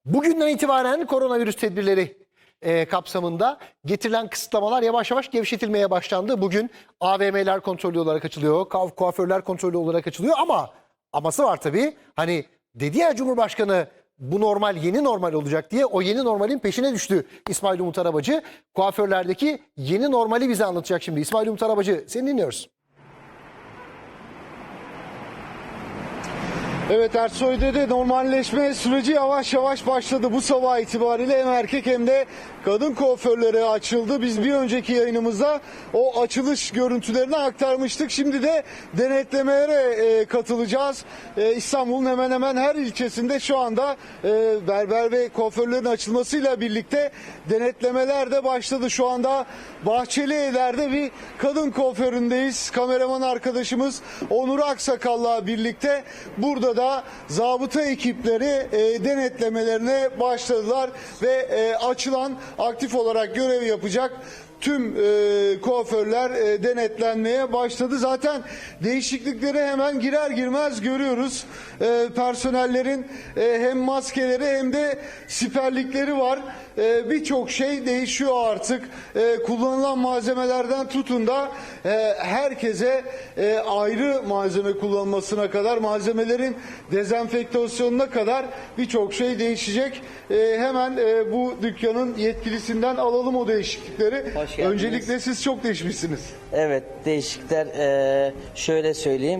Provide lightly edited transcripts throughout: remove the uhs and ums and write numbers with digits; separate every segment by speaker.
Speaker 1: Bugünden itibaren koronavirüs tedbirleri kapsamında getirilen kısıtlamalar yavaş yavaş gevşetilmeye başlandı. Bugün AVM'ler kontrollü olarak açılıyor, kuaförler kontrollü olarak açılıyor ama aması var tabii. Hani dedi ya Cumhurbaşkanı bu normal yeni normal olacak diye, o yeni normalin peşine düştü İsmail Umut Arabacı. Kuaförlerdeki yeni normali bize anlatacak şimdi. İsmail Umut Arabacı, seni dinliyoruz.
Speaker 2: Evet, Ersoy'da da normalleşme süreci yavaş yavaş başladı. Bu sabah itibariyle hem erkek hem de kadın kuaförleri açıldı. Biz bir önceki yayınımızda o açılış görüntülerini aktarmıştık. Şimdi de denetlemelere katılacağız. İstanbul'un hemen hemen her ilçesinde şu anda berber ve kuaförlerin açılmasıyla birlikte denetlemeler de başladı. Şu anda Bahçelievler'de bir kadın kuaföründeyiz. Kameraman arkadaşımız Onur Aksakal'la birlikte burada da zabıta ekipleri denetlemelerine başladılar ve açılan, aktif olarak görev yapacak tüm kuaförler denetlenmeye başladı. Zaten değişiklikleri hemen girer girmez görüyoruz. Personellerin hem maskeleri hem de siperlikleri var. Birçok şey değişiyor artık. Kullanılan malzemelerden tutun da herkese ayrı malzeme kullanılmasına kadar, malzemelerin dezenfektasyonuna kadar birçok şey değişecek. Hemen bu dükkanın yetkilisinden alalım o değişiklikleri. Öncelikle siz çok değişmişsiniz.
Speaker 3: Evet, değişiklikler şöyle söyleyeyim.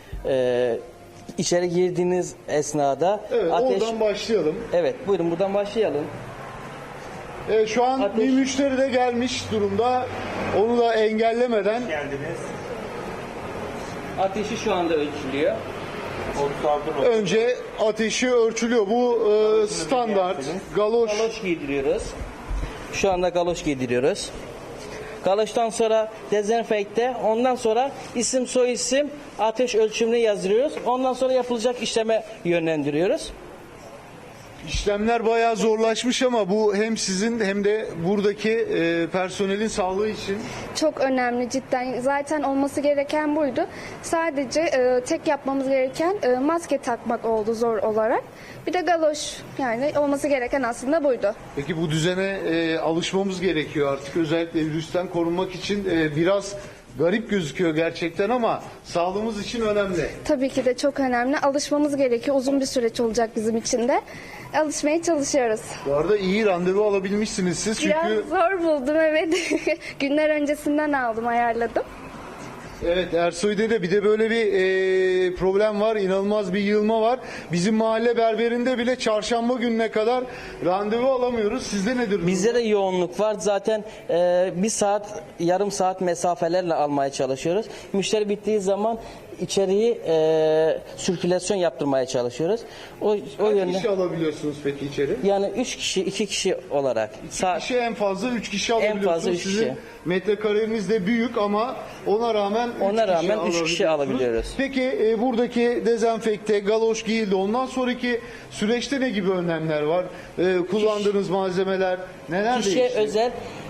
Speaker 3: İçeri girdiğiniz esnada
Speaker 2: Evet, oradan başlayalım.
Speaker 3: Evet, buyurun buradan başlayalım.
Speaker 2: Şu an bir müşteri de gelmiş durumda. Onu da engellemeden.
Speaker 3: Geldiniz. Ateşi şu anda ölçülüyor.
Speaker 2: Önce ateşi ölçülüyor. Bu standart. Galoş.
Speaker 3: Galoş giydiriyoruz. Şu anda galoş giydiriyoruz. Galoştan sonra dezenfekte, ondan sonra isim soyisim, ateş ölçümünü yazdırıyoruz. Ondan sonra yapılacak işleme yönlendiriyoruz.
Speaker 2: İşlemler bayağı zorlaşmış ama bu hem sizin hem de buradaki personelin sağlığı için
Speaker 4: Çok önemli cidden. Zaten olması gereken buydu. Sadece tek yapmamız gereken maske takmak oldu zor olarak. Bir de galoş, yani olması gereken aslında buydu.
Speaker 2: Peki bu düzene alışmamız gerekiyor artık, özellikle virüsten korunmak için. Biraz garip gözüküyor gerçekten ama sağlığımız için önemli.
Speaker 4: Tabii ki de çok önemli. Alışmamız gerekiyor. Uzun bir süreç olacak bizim için de. Alışmaya çalışıyoruz.
Speaker 2: Bu arada iyi randevu alabilmişsiniz siz çünkü...
Speaker 4: Biraz zor buldum, evet. Günler öncesinden aldım, ayarladım.
Speaker 2: Evet, Ersoy'da da bir de böyle bir problem var, inanılmaz bir yığılma var. Bizim mahalle berberinde bile çarşamba gününe kadar randevu alamıyoruz. Sizde nedir?
Speaker 3: Bizde de yoğunluk var. Zaten bir saat, yarım saat mesafelerle almaya çalışıyoruz. Müşteri bittiği zaman içeriği sirkülasyon yaptırmaya çalışıyoruz. O
Speaker 2: Kaç
Speaker 3: yönde.
Speaker 2: kişi alabiliyorsunuz peki içeri?
Speaker 3: Yani 3 kişi, 2 kişi olarak.
Speaker 2: Kişi en fazla 3 kişi alabiliyorsunuz.
Speaker 3: fazla üç
Speaker 2: Sizin
Speaker 3: kişi.
Speaker 2: metrekareniz de büyük ama ona rağmen
Speaker 3: 3 kişi alabiliyoruz.
Speaker 2: Peki buradaki dezenfekte, galoş giyildi. Ondan sonraki süreçte ne gibi önlemler var? Kullandığınız malzemeler neler
Speaker 3: Kişiye
Speaker 2: değişti?
Speaker 3: özel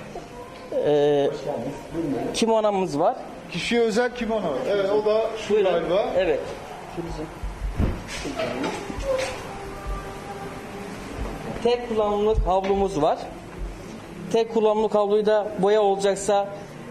Speaker 3: kimonamız var.
Speaker 2: Kişiye özel kimono. Evet, o da şu
Speaker 3: Buyurun.
Speaker 2: galiba.
Speaker 3: Evet. Tek kullanımlık havlumuz var. Tek kullanımlık havluyu da boya olacaksa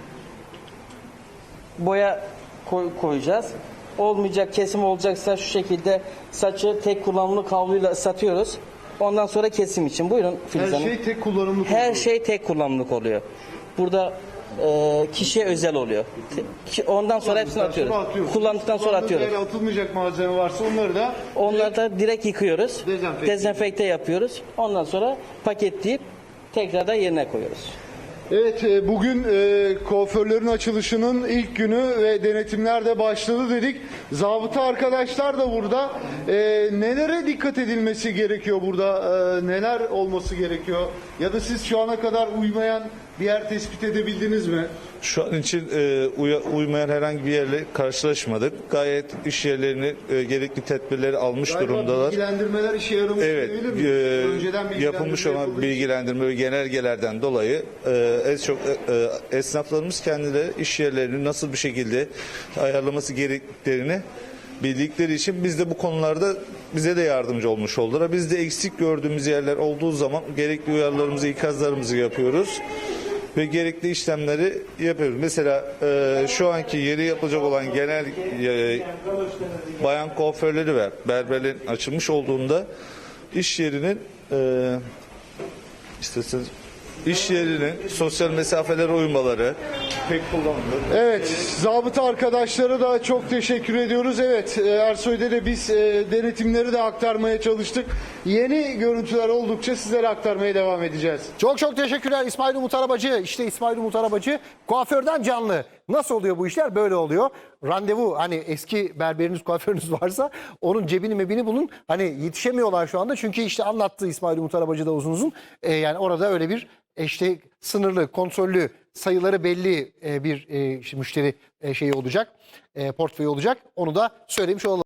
Speaker 3: boya koyacağız. Olmayacak, kesim olacaksa şu şekilde saçı tek kullanımlık havluyla ıslatıyoruz. Ondan sonra kesim için. Buyurun Filiz
Speaker 2: Her
Speaker 3: Hanım.
Speaker 2: şey tek kullanımlık
Speaker 3: Her
Speaker 2: oluyor.
Speaker 3: şey tek kullanımlık oluyor. Burada kişiye özel oluyor. Ondan sonra hepsini atıyoruz. Kullandıktan sonra atıyoruz.
Speaker 2: Eğer atılmayacak malzeme varsa
Speaker 3: Onları da direkt yıkıyoruz.
Speaker 2: Dezenfekte.
Speaker 3: Dezenfekte yapıyoruz. Ondan sonra paketleyip tekrardan yerine koyuyoruz.
Speaker 2: Evet, bugün kuaförlerin açılışının ilk günü ve denetimler de başladı dedik. Zabıta arkadaşlar da burada. Nelere dikkat edilmesi gerekiyor burada? Neler olması gerekiyor? Ya da siz şu ana kadar uymayan bir yer tespit edebildiniz mi?
Speaker 5: Şu an için uymayan herhangi bir yerle karşılaşmadık. Gayet iş yerlerini gerekli tedbirleri almış
Speaker 2: Galiba
Speaker 5: durumdalar.
Speaker 2: bilgilendirmeler işe yaramış.
Speaker 5: Evet,
Speaker 2: diyebilir miyiz? Önceden
Speaker 5: yapılmış olan
Speaker 2: yapıldı.
Speaker 5: bilgilendirme ve genelgelerden dolayı esnaflarımız kendileri iş yerlerini nasıl bir şekilde ayarlaması gerektiklerini bildikleri için biz de bu konularda bize de yardımcı olmuş oldular. Biz de eksik gördüğümüz yerler olduğu zaman gerekli uyarılarımızı, ikazlarımızı yapıyoruz ve gerekli işlemleri yapıyoruz. Mesela şu anki yeri yapılacak olan genel bayan kuaförleri ve berberlerin açılmış olduğunda iş yerinin iş yerinin sosyal mesafelere uymaları pek kullanılıyor.
Speaker 2: Evet, zabıta arkadaşlara da çok teşekkür ediyoruz. Evet, Ersoy'da da biz denetimleri de aktarmaya çalıştık. Yeni görüntüler oldukça sizlere aktarmaya devam edeceğiz.
Speaker 1: Çok çok teşekkürler İsmail Umut Arabacı. İşte İsmail Umut Arabacı kuaförden canlı. Nasıl oluyor bu işler? Böyle oluyor. Randevu, hani eski berberiniz, kuaförünüz varsa onun cebini mebini bulun. Hani yetişemiyorlar şu anda. Çünkü işte anlattı İsmail Umut Arabacı da uzun uzun. Yani orada öyle bir işte sınırlı, kontrollü, sayıları belli bir işte müşteri şeyi olacak. Portföyü olacak. Onu da söylemiş olalım.